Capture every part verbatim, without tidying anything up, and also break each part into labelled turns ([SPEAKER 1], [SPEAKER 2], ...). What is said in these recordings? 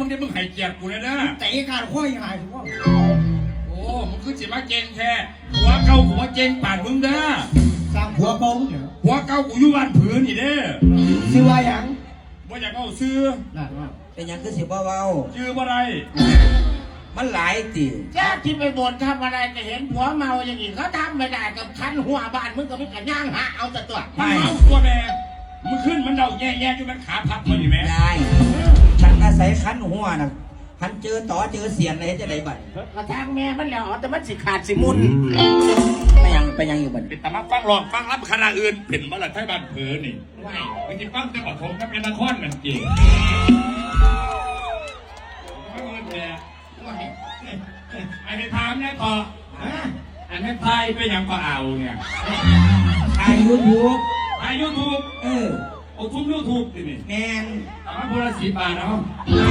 [SPEAKER 1] งได้มึงให้เกียรติกูเลยนะ
[SPEAKER 2] แต่อีการค่อยหายถูกป่ะ
[SPEAKER 1] โอ้มึงคือจิมาเก่งแค่หัวเก่าหัวเก่งป่านมึงเด้อ
[SPEAKER 2] สร้างหัวบงเหรอ
[SPEAKER 1] หัวเก่ากูอยู่บ้านผืนนี่เด้อ
[SPEAKER 2] ซื้อว่าอย่าง
[SPEAKER 1] ว่าอยากเอาซื้อ
[SPEAKER 3] เป็นยังคือสิบ่เว้า
[SPEAKER 1] ชื่อว่าไร
[SPEAKER 3] มันหลายติ
[SPEAKER 4] แค่ที่ไปบ่นทำอะไรจะเห็นผัวเมาอย่างนี้เขาทำไม่ได้กับฉันหัวบ้านมึงก็ไม่กันย่างหาเอาแต่ตัว
[SPEAKER 1] มันเมาตัวแม่มึงขึ้นมันเดาแย่ๆอยู่มันขาพับมันอยู่แม่
[SPEAKER 3] ได้ฉันอาศัยคันหัวน่ะคันเจอต่อเจอเสียนอะไรจะได้บัด
[SPEAKER 4] กระทางแม่มันแล้วแต่มันสิขาดสิมุน
[SPEAKER 3] ไปยังไปยังอยู่บัด
[SPEAKER 1] เป็นตามาฟังหลอกฟังรับคณะอื่นเป็นบ้านไทยบ้านเผือนี่ไม่ไม่จริงฟังแต่ปฐมกับเป็นนครมันจริงไอ้ในถามเนี่ยต่ออันนี้ไทยไปยังก็เอาเนี่ย
[SPEAKER 3] ไอ้ยูทูบ
[SPEAKER 1] ไอ้ยูทูบ
[SPEAKER 3] เออ
[SPEAKER 1] โอ้ทุ่มยูทูบสินี่
[SPEAKER 3] แมน
[SPEAKER 1] แต่ว่าพละสีบาทเนาะ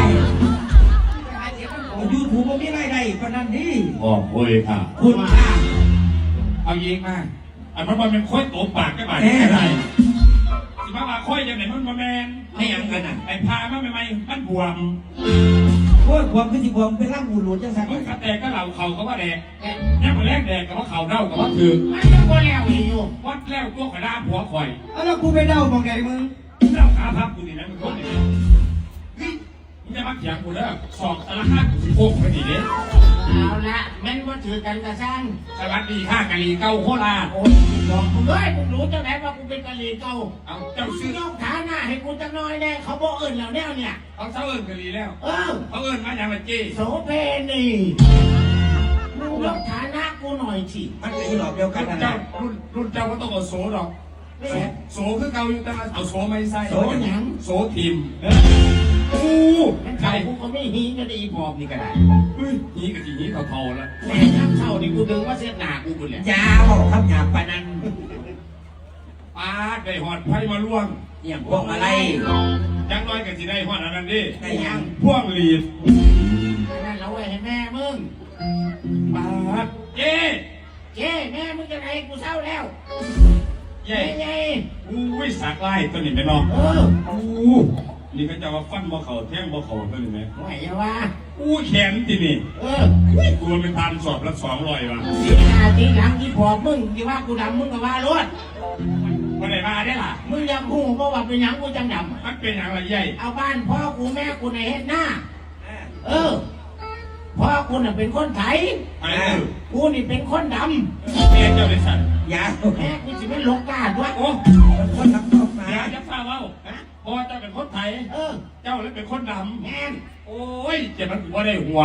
[SPEAKER 3] ยูทูบมันมีรายได้ขนาดนี้
[SPEAKER 1] โอ้โหค่ะ
[SPEAKER 3] คุณค่ะ
[SPEAKER 1] เอายิงมาอันมันมันเป็นค่อยโตปากก็บาดแค่ไรสิมาว่าค่อยยังไหนมันมาแมน
[SPEAKER 3] ไม่ยังกันอ่ะ
[SPEAKER 1] ไอ้พามาใหม่ๆมันบวม
[SPEAKER 3] โอ้ยบวมคือสิบวมเป็นร่างหูหลุดจังสัน
[SPEAKER 1] มึงกระแตกก็เหล่าเขาก็ว่าแดกยังมาแรกแดกกับว่าเขาเน่ากับว่าถือ
[SPEAKER 4] มันยังก็แล้วอยู่
[SPEAKER 1] วัดแล้วตัวขนาดหัวข่อย
[SPEAKER 2] แล้วกูไปเดามองไงมึง
[SPEAKER 1] เน่าขาพับกูนี่นะมึงคนนี้มึงจะมาเถียงกูแล้วสอบสารพัดสิโค้งไปดีเด้
[SPEAKER 4] เอาละแม่นว่าถือกันกระซัง
[SPEAKER 1] สวัสดีข้ากะลีเก้าโคราช
[SPEAKER 4] โอ้ยบอกกูด้วยกูรู้จังไหนว่ากูเป็นกะลีเก้า
[SPEAKER 1] เอาเจ้าซื้อ
[SPEAKER 4] ต้องฐานะให้กูจังน้อยแน่เขาบอกเอิญแล้วเนี่ยเนี่ย
[SPEAKER 1] เขาเศร้าเอิญกะลีแล้ว
[SPEAKER 4] เออ
[SPEAKER 1] เขาเอิญมาอย่างไรจี้
[SPEAKER 4] โสเพณีมึงลองฐานะกูหน่อยสิ
[SPEAKER 3] มันคือหลอกเดียวกันนะ
[SPEAKER 1] เจ้ารุ่นรุ่นเจ้าก็ต้องเอาโสดอกโสคือเก่าอยู่แต่เอาโสไม่ใส่
[SPEAKER 4] โสยัง
[SPEAKER 1] โสทีมกู
[SPEAKER 4] ใครกูก็ไม่หีก็ได้อีพอบนี่ก็ได้
[SPEAKER 1] เฮ้ยหีกับจีหีเขาทอแล้ว
[SPEAKER 4] แม่ยักษ์เข้านี่กูดึงว่าเส้นหนากูบุญเลย
[SPEAKER 3] ยาวครับหยาบปานัน
[SPEAKER 1] ปาได้หอดไพ่มาล่วง
[SPEAKER 3] อย่างพวกอะไร
[SPEAKER 1] ยังน้อยกับจีได้หอดอันนั้นดิ
[SPEAKER 3] ได้ยัง
[SPEAKER 1] พวกลีด
[SPEAKER 4] นั่นเราไว้ให้แม่มึง
[SPEAKER 1] ปาเจ๊
[SPEAKER 4] เจ๊แม่มึงจะไหนกูเศร้าแล้ว
[SPEAKER 1] เย้
[SPEAKER 4] เย้
[SPEAKER 1] อู้ยสักไล่ตัวนี้ไหมน้อง
[SPEAKER 4] เออ
[SPEAKER 1] อู้นี่ก็จะว่าฟันบ่เขาแท่งบ่เขาตัวนี้ไหม
[SPEAKER 4] ไหวว่า
[SPEAKER 1] อู้แขนทีนี่
[SPEAKER 4] เออ
[SPEAKER 1] กูมันเป็นทานสอบละสองร้อยวะ
[SPEAKER 4] ทีหน้าทีหลังที่พอมึงที่ว่ากูดำมึงก็ว่ารถ
[SPEAKER 1] คนไหนมาได้ล่ะ
[SPEAKER 4] มึงยังพูดเพราะว่าเป็นยังกูจังดำ
[SPEAKER 1] มันเป็นอย่างไรใหญ่
[SPEAKER 4] เอาบ้านพ่อกูแม่กูในเฮ็ดหน้าเออพ่อกูน่ะเป็นคนไทยกูนี่เป็นคนด
[SPEAKER 1] ำแม่เจ้าเป็นสัตว์
[SPEAKER 3] ยา
[SPEAKER 4] แม่กูจะเป็นลกกาด้วย
[SPEAKER 1] โอ้
[SPEAKER 3] คนทำตกมา
[SPEAKER 1] อย่าจะฟ้าเว้าพ่อเจ้าเป็นคนไทย
[SPEAKER 4] เออ
[SPEAKER 1] เจ้าเลยเป็นคนดำ
[SPEAKER 4] แม่
[SPEAKER 1] โอ้ยเจ็บมันหัวได้หัว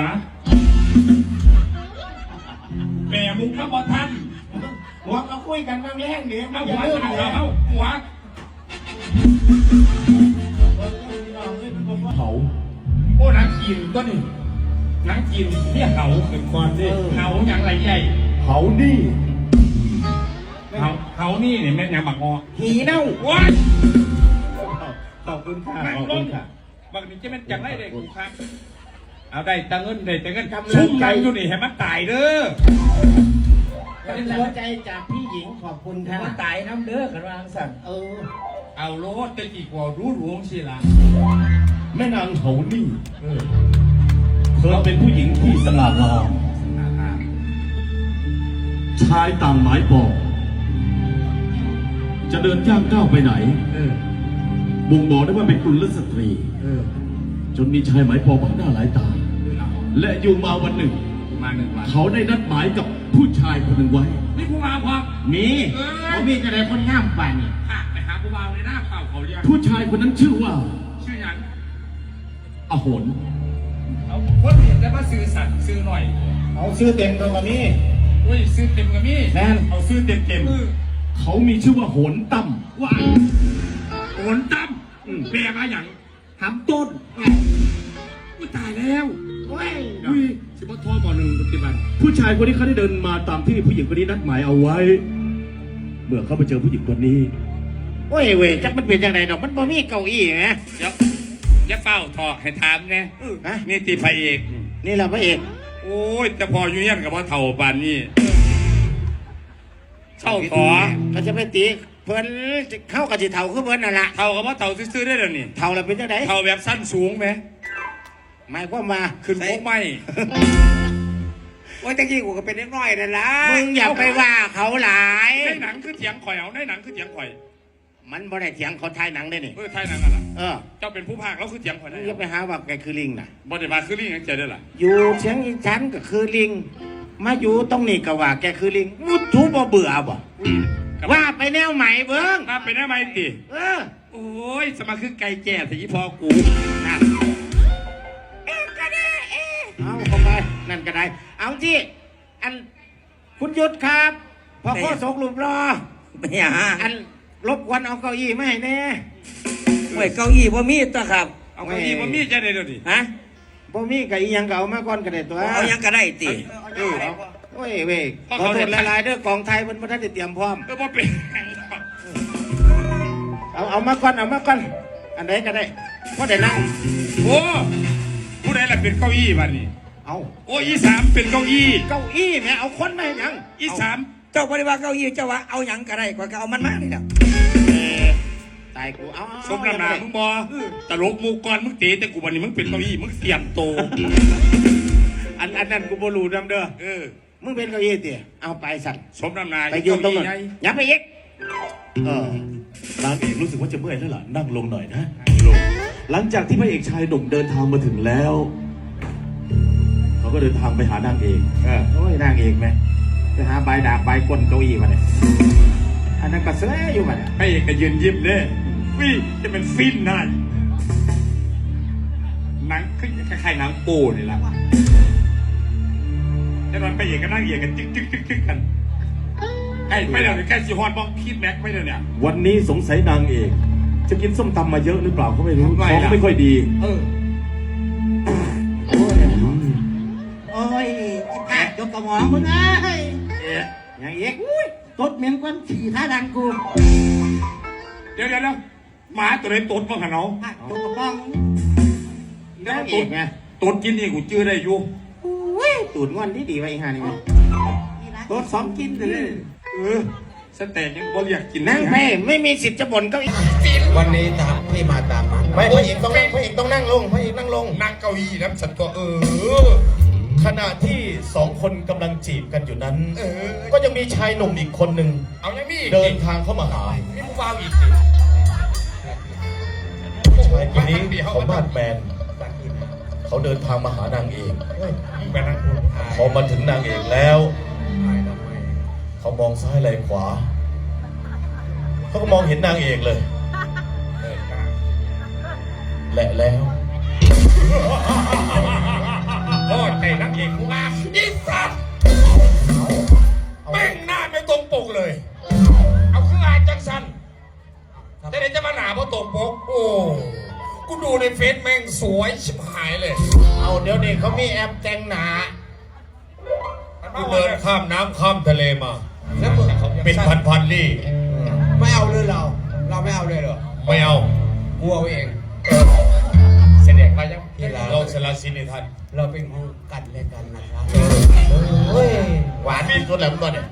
[SPEAKER 1] แม่มุกข้าวบอทัน
[SPEAKER 4] หัวก็คุยกันบางแรงเดี๋ยว
[SPEAKER 1] เอาหัวเอาหัวเขาโอ้นักกินก็นี่นักกินเนี่ยเขาเป็นคนดิเขาอย่างไรใหญ่เขานี่เขาเขานี่เนี่ยแม่ยังบักงอ
[SPEAKER 4] หีเน่า
[SPEAKER 1] ว้า
[SPEAKER 2] ขอบคุณค่ะขอบคุณค่ะ
[SPEAKER 1] บางทีจะเป็นจังไรเด็กกูครับเอาได้ตังเงินได้ตังเงินชุ่มกันอยู่นี่ให้มันตายเด้อ
[SPEAKER 4] เป็นกำลังใจจากพี่หญิงขอบคุณค่ะ
[SPEAKER 3] ตายน้ำเด้อกันวางสั่ง
[SPEAKER 4] เออ
[SPEAKER 1] เอาโลดจะกี่กว่ารู้หลวงสิล่ะ
[SPEAKER 5] แม่นางเขานี่เธอเป็นผู้หญิงที่สง่างามชายต่างหมายปองจะเดินย่างก้าวไปไหนบ่งบอกได้ว่าเป็นกุลสตรีจนมีชายหมายปองมากหน้าหลายตาและอยู่มาวันหนึ่งเขาได้นัดหมายกับผู้ชายคนหนึ่งไว้
[SPEAKER 1] นี่ผู้บ่าวพอ
[SPEAKER 5] มี
[SPEAKER 4] เขามีจะได้คนงามป่านนี่
[SPEAKER 1] ไปหาผู้บ่าวในหน้าเปล่าเขาเรียก
[SPEAKER 5] ผู้ชายคนนั้นชื่อว่า
[SPEAKER 1] ชื่อยัง
[SPEAKER 5] อโหน
[SPEAKER 1] เอาคนเห็นแล้วมาซื้อสัตว์ซื้อหน่อย
[SPEAKER 2] เอาซื้อเต็มตัวกับมี่
[SPEAKER 1] อุ้ยซื้อเต็มกับมี่
[SPEAKER 2] แน่น
[SPEAKER 1] เอาซื้อเต็มเต็ม
[SPEAKER 5] เขามีชื่อว่าโหนตั้ม
[SPEAKER 1] ว่าโหนตั้มเปลี่ยนมาอย่าง
[SPEAKER 2] หำต้น
[SPEAKER 1] กูตายแล้ว
[SPEAKER 4] เฮ้ย
[SPEAKER 1] สิบทอบ่อหนึ่งปฏิบัติ
[SPEAKER 5] ผู้ชายคนนี้เขาได้เดินมาตามที่ผู้หญิงคนนี้นัดหมายเอาไว้เมื่อเขาไปเจอผู้หญิงคนนี้
[SPEAKER 4] โอ้ยเว้ยจักมันเป็นยังไงดอกมันบ่มีเก้าอี้ไง
[SPEAKER 1] เดี๋ยวอย่าเฝ้าทอให้ถามไงนี่ตีพระเอก
[SPEAKER 4] นี่แหละพระเอก
[SPEAKER 1] โอ้ยแต่พออยู่ยันกับว่าเถ่าปานนี่เท่าขอ
[SPEAKER 4] ก็จะไปตีเพิ่นเข้ากับจีเท่าคือเพิ่นนั่นแหละ
[SPEAKER 1] เท่ากับว่าเท่าซื้อได้แล้วนี่
[SPEAKER 4] เท่าแล้วเป็นยังไง
[SPEAKER 1] เท่าแบบสั้นสูงไหม
[SPEAKER 4] หมายความว่า
[SPEAKER 1] ขึ้นโค้งไม่
[SPEAKER 3] โอ้ยตะกี้กูก็เป็นเล็กน้อยนั่นล่ะ
[SPEAKER 4] มึงอย่าไปว่าเขาหลาย
[SPEAKER 1] ในหนังคือเถียงข่อยเอาในหนังคือเถียงข่อย
[SPEAKER 4] มันบ่ได้เถียงเขาทายหนังได้นี่
[SPEAKER 1] เออไทยหนังอะไร
[SPEAKER 4] เออ
[SPEAKER 1] เจ้าเป็นผู้พากย์แล้วคือเถียงข่อย
[SPEAKER 4] มึ
[SPEAKER 1] ได้
[SPEAKER 4] งอย่าไปหาว่าแกคือลิงน่ะ
[SPEAKER 1] บ่ได้มาคือนี่ยังใจได้ล่ะ
[SPEAKER 4] อยู่เชียงอีฉันก็คือลิง มาอยู่ตรงนี้ก็ว่าแกคือลิงมุดทูบ่เบื่อบ่ว่าไปแนวใหม่เบิ้ง
[SPEAKER 1] มาเป็นอะไรติ
[SPEAKER 4] เออ
[SPEAKER 1] โอ้ยสมาคือไก่แก่สิพอกู
[SPEAKER 4] นั่นเอ๊ะก็ได้เอ๊ะเอาเข้าไปนั่นก็ได้ เอาที่อันคุณยุทธครับพอข้อศกหลุมรอ
[SPEAKER 3] ไม่หยัง
[SPEAKER 4] อันรบกวนเอาเก้าอี้มาให้แน่
[SPEAKER 3] โอ้ยเก้าอี้บ่มีตัวครับ
[SPEAKER 1] เอาคนนี้มามีใจได้เดี๋ยวนี้
[SPEAKER 3] ฮะ
[SPEAKER 4] บ่มีกับอีหยังก็เอามาก่อนก็ได้ตัว
[SPEAKER 3] เอายังก็ได้ติ
[SPEAKER 4] เออเอาโอ้ยเว้ยขอโทษหลายๆเด้อกองไทยมันบ่ทันได้เตรียมพร้อม
[SPEAKER 1] ก็บ่เป็น
[SPEAKER 4] เอาเอามาก่อนเอามาก่อนอันไหนก็ได้พอได้นั่ง
[SPEAKER 1] โอ้ผู้ใดล่ะเป็นเก้าอี้บ้านนี้
[SPEAKER 4] เอา
[SPEAKER 1] โอ้อีสามเป็นเก้าอี้
[SPEAKER 4] เก้าอี้แม่เอาคนมาให้หยัง
[SPEAKER 1] อีสาม
[SPEAKER 3] เจ้าบ่ได้ว่าเก้าอี้เจ้าว่าเอาหยังก็ได้ก็เอามันมานี่แหละ
[SPEAKER 4] เออตายกูเอาเอา
[SPEAKER 1] สมน้ำหนามึงบอตลกมูกรมึงเตะแต่กูวันนี้มึงเป็นเก้าอี้มึงเสียมโต
[SPEAKER 4] อันอันนั้นกูบ่รู้นำเด้อ
[SPEAKER 1] เออ
[SPEAKER 4] มึงเป็นเก้าอี้ติเอาไปสั่น
[SPEAKER 1] สมน้ำหนา
[SPEAKER 4] ไปยืนตรงนั้นอย่าไปอีกเออน
[SPEAKER 5] างเอกรู้สึกว่าจะเมื่อยแล้วล่ะนั่งลงหน่อยนะลงหลังจากที่พระเอกชายหนุ่มเดินทางมาถึงแล้ว เขาก็เดินทางไปหานางเอก
[SPEAKER 4] เออโอ้ยนางเอกแม่ไปหาใบดาบใบก้นเก้าอี้มาเนี่ยอันนั้นก็เสืออยู่มาเนี่ย
[SPEAKER 1] ให้เอกก็ยืนยิ้มเลยวิจะเป็นฟินนายหนังคือคล้ายๆหนังโป้นี่แหละแต่ตอนไปเอกก็นั่งเอกกันจึ๊กจึ๊กจึ๊กจึ๊กกันไอ้ไม่เดี๋ยวนี้แค่ซีฮอนบอกคิดแม็กไม่เดี๋ยวเนี่ย
[SPEAKER 5] วันนี้สงสัยนางเอกจะกินส้มตำมาเยอะหรือเปล่าก็ไม่รู้
[SPEAKER 1] ทำไม
[SPEAKER 5] ท้อง
[SPEAKER 1] ล่ะ
[SPEAKER 5] ไม่ค่อยดี
[SPEAKER 3] เออ
[SPEAKER 2] โอ้ยไอ้กาดยกกระหม่อมมึงเอ้ย
[SPEAKER 4] เอ๊ะยังอีก
[SPEAKER 2] ตดเหม็นกวนฉี่ท่าดังกู
[SPEAKER 1] เดี๋ยวเดี๋ยวเดี๋ยวหมาตัวไหนตดบ้างหะเนาะ
[SPEAKER 2] อ่ะตดกระป้อง
[SPEAKER 1] แล้ว
[SPEAKER 4] นาง
[SPEAKER 1] ต
[SPEAKER 4] เอ
[SPEAKER 1] ด
[SPEAKER 4] กไง
[SPEAKER 1] ตดกินนี่กูจื้อได้อยู่
[SPEAKER 4] อุ้ยตูดงอนที่ดีไว้อีห่านี่ไงตดซ้อมกินเลย
[SPEAKER 1] เออสแตกยังบ่เรียกกิน
[SPEAKER 4] นั่งไปไม่มีสิทธิ์จะบ่นเก้าอี้
[SPEAKER 2] วันนี้ตามที่มาตามมัน
[SPEAKER 4] ไม่พระเอกต้องนั่งพระเอกต้องนั่งลงพระเอกนั่งลง
[SPEAKER 1] นั่งเก้าอี้แล้วฉันตัวเออ
[SPEAKER 6] ขณะที่สองคนกำลังจีบกันอยู่นั้น ก็ยังมีชายหนุ่มอีกคนหนึ่ง
[SPEAKER 1] เอายังมีอีก
[SPEAKER 6] เดินทางเข้ามาหา
[SPEAKER 1] มีผู้บ่าวอีก
[SPEAKER 6] ชายคนนี้เขามาดแมน เขาเดินทางมาหานางเอก
[SPEAKER 1] ไปนั่งพูด
[SPEAKER 6] พอมาถึงนางเอกแล้ว เขามองซ้ายไหลขวา เขาก็มองเห็นนางเอกเลย และแล้ว
[SPEAKER 1] โอ้ยไอ้นักเอกกูงามอีสัตว์แม่งหน้าไม่ตรงปกเลย เอาเครื่องอาจังสันแต่เดี๋ยวจะมาหนาเพราะตรงปก โอ้กูดูในเฟซแม่งสวยชิบหายเลย
[SPEAKER 4] เอาเดี๋ยวนี้เขามีแอปแต่งหนา
[SPEAKER 6] กูเดินข้ามน้ำข้ามทะเลมา เป็นพันพันๆลี่
[SPEAKER 2] ไม่เอาเลยเรา เราไม่เอาเลยเหรอ
[SPEAKER 6] ไม่เอา
[SPEAKER 2] กลัวเอง
[SPEAKER 6] เสด็จมายังลองสละสินิทัน
[SPEAKER 2] เราเป็นคู่กันและกันนะครับ
[SPEAKER 4] เฮ้ยหวานที่สุดแล้วตัวเนี่ย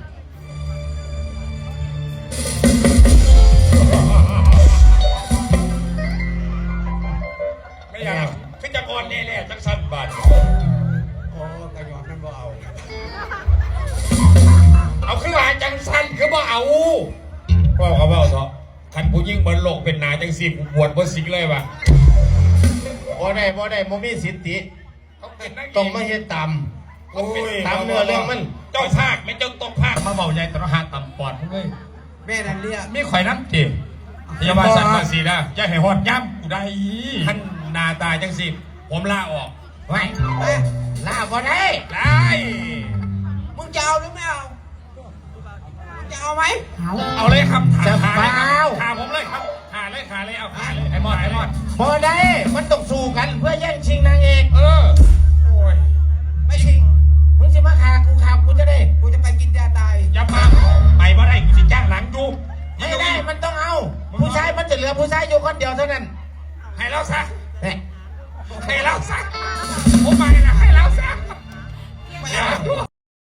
[SPEAKER 1] ไม่อยากคือจะก่อนแน่ๆจังสันบาท
[SPEAKER 2] โอ้กระยอนนั่นบ่เอา
[SPEAKER 1] เอาเครื่องอาจังสันคือบ่เอาว่าเขาว่าเถอะคันผู้ยิ่งบนโลกเป็นนาจังสีกูบวชบ่สิงเลยวะ
[SPEAKER 4] บ่ได้บ่ได้บ่มีสิทธิ
[SPEAKER 1] เขาเป็นนัก
[SPEAKER 4] ต้องมาเฮ็ดตาม
[SPEAKER 1] โอ้ย
[SPEAKER 4] ตามเนื้อเรื่องมัน
[SPEAKER 1] เจ้าภาคไม่เจ้าต้องภาคมาเบาใหญ่ตระหาต่ำปอดมึงเลย
[SPEAKER 2] แม่นันเรียก
[SPEAKER 1] มีข่อยน้ำจีบอย่ามาสั่นมาสีนะอย่าให้หอดย้ำกูได้ท่านหนาตาจังสิผมลาออก
[SPEAKER 4] ไว้ลาบ่ได้
[SPEAKER 1] ได้
[SPEAKER 2] มึงจะเอาหรือไม่เอามึงจะเอาไหม
[SPEAKER 1] เอาเลยครับ
[SPEAKER 4] จะ
[SPEAKER 1] ขาเลยค
[SPEAKER 4] เปล่า
[SPEAKER 1] รับขาผมเลยครับขาเลยขาเลยเอาขาเลยไอ้มอดไอ้มอด
[SPEAKER 4] บ่ได้มันต้องสู้กันเพื่อแย่งชิงนางเอก
[SPEAKER 1] เออโอ้ย
[SPEAKER 2] ไม่จริง
[SPEAKER 4] มึงสิมาฆ่ากูฆ่ากูจะได้
[SPEAKER 2] กูจะไปกินยาตาย
[SPEAKER 1] อย่ามาไปบ่ได้กูสิจ้างหลังดู
[SPEAKER 4] ไม่ได้มันต้องเอา ผู้ชายมันจะเหลือผู้ชายอยู่คนเดียวเท่านั้น
[SPEAKER 1] ให้เราซะ
[SPEAKER 4] เนี่ย
[SPEAKER 1] ให้เราซะผมมาให้